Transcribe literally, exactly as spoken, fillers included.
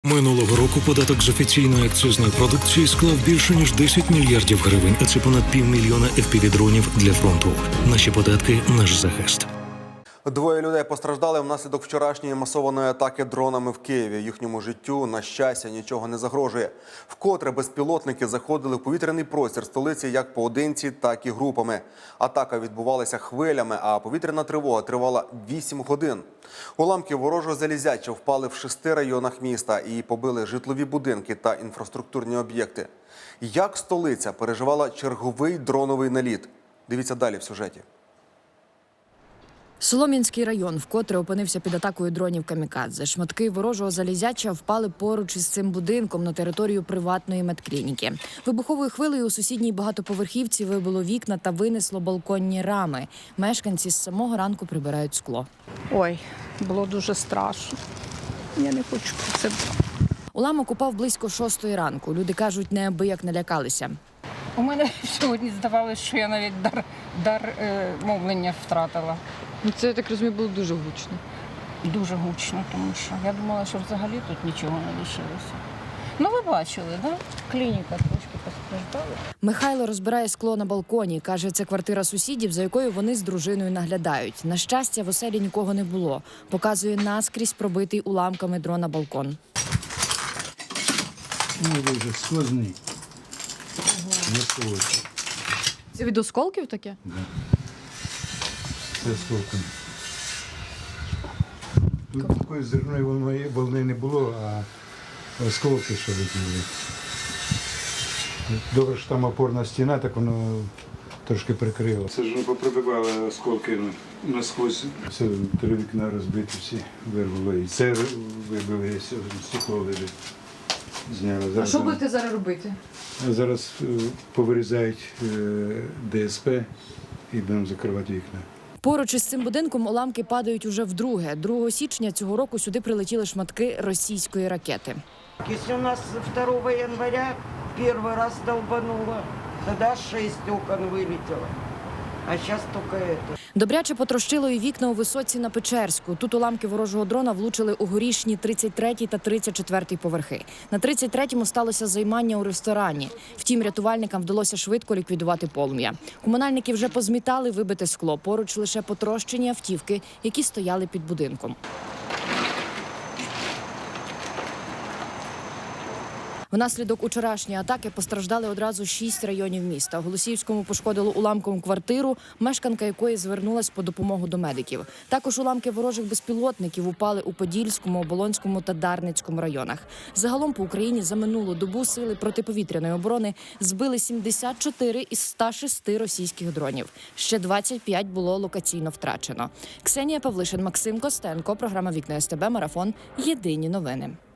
Минулого року податок з офіційної акцизної продукції склав більше ніж десять мільярдів гривень, а це понад півмільйона еф пі ві-дронів для фронту. Наші податки – наш захист. Двоє людей постраждали внаслідок вчорашньої масованої атаки дронами в Києві. Їхньому життю, на щастя, нічого не загрожує. Вкотре безпілотники заходили в повітряний простір столиці як поодинці, так і групами. Атака відбувалася хвилями, а повітряна тривога тривала вісім годин. Уламки ворожого залізяча впали в шести районах міста і побили житлові будинки та інфраструктурні об'єкти. Як столиця переживала черговий дроновий наліт? Дивіться далі в сюжеті. Солом'янський район вкотре опинився під атакою дронів камікадзе. Шматки ворожого залізяча впали поруч із цим будинком на територію приватної медклініки. Вибуховою хвилею у сусідній багатоповерхівці вибило вікна та винесло балконні рами. Мешканці з самого ранку прибирають скло. Ой, було дуже страшно. Я не хочу про це. Уламок упав близько шостої ранку. Люди кажуть, неабияк налякалися. У мене сьогодні здавалося, що я навіть дар, дар е, мовлення втратила. Ну, це, я так розумію, було дуже гучно. Дуже гучно, тому що я думала, що взагалі тут нічого не лишилося. Ну, ви бачили, так? Да? Клініка трошки постраждала. Михайло розбирає скло на балконі. Каже, це квартира сусідів, за якою вони з дружиною наглядають. На щастя, в оселі нікого не було. Показує наскрізь пробитий уламками дрона балкон. Ну, дуже сквозний. Ага. Це від осколків таке? Да. Це осколком. Тут такої зерної волни, волни не було, а осколки що летіли. Добре, що там опорна стіна, так воно трошки прикрило. Це ж попробивало осколки насквозь. Все, три вікна розбиті, всі вирвало. І це вибили, і стекло лежить. Зняли. А що будете зараз робити? Зараз повирізають де ес пе і будемо закривати вікна. Поруч із цим будинком уламки падають уже вдруге. другого січня цього року сюди прилетіли шматки російської ракети. Якщо у нас второго января перший раз долбануло, тоді шість окон вилетіло. А зараз тільки це. Добряче потрощило і вікна у Висоці на Печерську. Тут уламки ворожого дрона влучили у горішні тридцять третій та тридцять четвертий поверхи. На тридцять третьому сталося займання у ресторані. Втім, рятувальникам вдалося швидко ліквідувати полум'я. Комунальники вже позмітали вибите скло. Поруч лише потрощені автівки, які стояли під будинком. Внаслідок учорашньої атаки постраждали одразу шість районів міста. У Голосіївському пошкодило уламком квартиру, мешканка якої звернулась по допомогу до медиків. Також уламки ворожих безпілотників упали у Подільському, Оболонському та Дарницькому районах. Загалом по Україні за минулу добу сили протиповітряної оборони збили сімдесят чотири із ста шести російських дронів. Ще двадцять п'ять було локаційно втрачено. Ксенія Павлишин, Максим Костенко, програма «Вікна ес те бе», марафон «Єдині новини».